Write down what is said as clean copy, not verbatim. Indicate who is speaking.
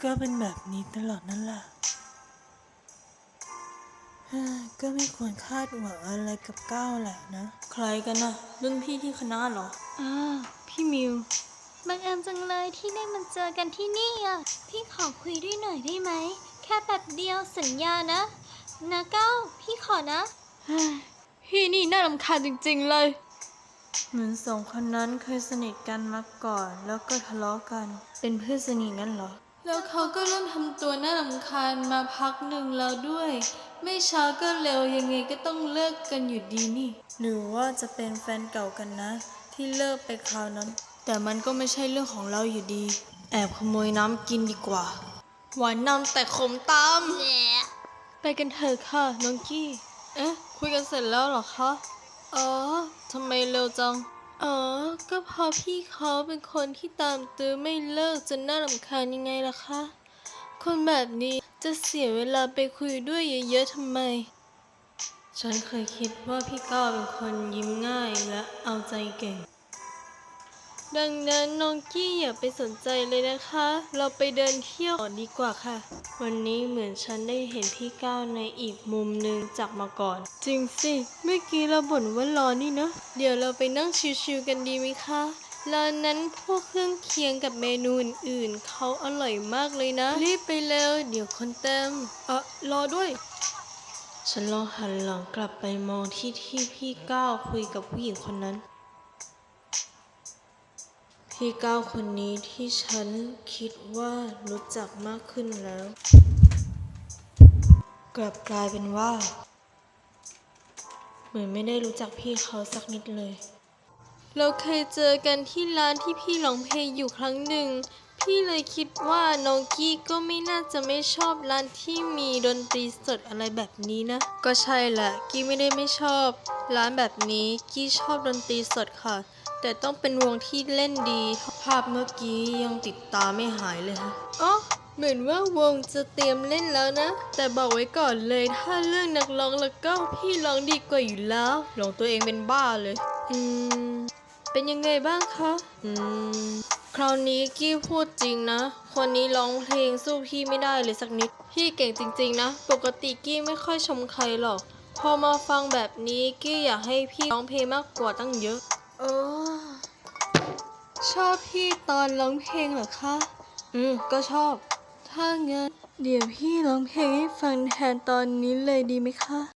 Speaker 1: ก็เป็นแบบนี้ตลอดนั่นแหละก็ไม่ควรคาดหวังอะไรกับก้าวแหละนะใครกันนะรุ่นพี่ที่คณะเหรอพี่มิว
Speaker 2: บังเอิญจังเลยที่ได้มาเจอกันที่นี่อ่ะพี่ขอคุยด้วยหน่อยได้ไหมแค่แป๊บเดียวสัญญานะก้าวพี่ขอนะ
Speaker 1: พี่นี่น่ารำคาญจริงๆเลยเหมือนสองคนนั้นเคยสนิทกันมาก่อนแล้วก็ทะเลาะกันเป็นเพื่อนสนิทงั้นเหรอแล้วเขาก็เริ่มทำตัวน่ารำคาญมาพักหนึ่งแล้วด้วยไม่ช้าก็เร็วยังไงก็ต้องเลิกกันอยู่ดีนี่หรือว่าจะเป็นแฟนเก่ากันนะที่เลิกไปคราวนั้นแต่มันก็ไม่ใช่เรื่องของเราอยู่ดีแอบขโมยน้ำกินดีกว่าหวานนำแต่ขมตามไปกันเถอะค่ะน้องกี้คุยกันเสร็จแล้วเหรอคะทำไมเร็วจังก็เพราะพี่เขาเป็นคนที่ตามตื้อไม่เลิกจนน่ารำคาญยังไงล่ะคะคนแบบนี้จะเสียเวลาไปคุยด้วยเยอะๆทำไมฉันเคยคิดว่าพี่ก้าวเป็นคนยิ้มง่ายและเอาใจเก่งดังนั้นน้องกี้อย่าไปสนใจเลยนะคะเราไปเดินเที่ยวดีกว่าค่ะวันนี้เหมือนฉันได้เห็นพี่ก้าวในอีกมุมหนึ่งจากมาก่อนจริงสิเมื่อกี้เราบ่นว่าร้อนนี่นะเดี๋ยวเราไปนั่งชิวๆกันดีไหมคะร้านนั้นพวกเครื่องเคียงกับเมนูอื่นๆเขาอร่อยมากเลยนะรีบไปเร็วเดี๋ยวคนเต็มรอด้วยฉันลองหันหลังกลับไปมองที่พี่ก้าวคุยกับผู้หญิงคนนั้นพี่ก้าวคนนี้ที่ฉันคิดว่ารู้จักมากขึ้นแล้วกลับกลายเป็นว่าเหมือนไม่ได้รู้จักพี่เขาสักนิดเลยเราเคยเจอกันที่ร้านที่พี่ร้องเพลงอยู่ครั้งหนึ่งพี่เลยคิดว่าน้องกี้ก็ไม่น่าจะไม่ชอบร้านที่มีดนตรีสดอะไรแบบนี้นะก็ใช่แหละกี้ไม่ได้ไม่ชอบร้านแบบนี้กี้ชอบดนตรีสดค่ะแต่ต้องเป็นวงที่เล่นดีภาพเมื่อกี้ยังติดตาไม่หายเลยฮะเหมือนว่าวงจะเตรียมเล่นแล้วนะแต่บอกไว้ก่อนเลยถ้าเรื่องนักร้องแล้วก็พี่ร้องดีกว่าอยู่แล้วร้องตัวเองเป็นบ้าเลยเป็นยังไงบ้างคะคราวนี้กี้พูดจริงนะคนนี้ร้องเพลงสู้พี่ไม่ได้เลยสักนิดพี่เก่งจริงๆนะปกติกี้ไม่ค่อยชมใครหรอกพอมาฟังแบบนี้กี้อยากให้พี่ร้องเพลงมากกว่าตั้งเยอะชอบพี่ตอนร้องเพลงเหรอคะก็ชอบถ้างั้นเดี๋ยวพี่ร้องเพลงให้ฟังแทนตอนนี้เลยดีไหมคะ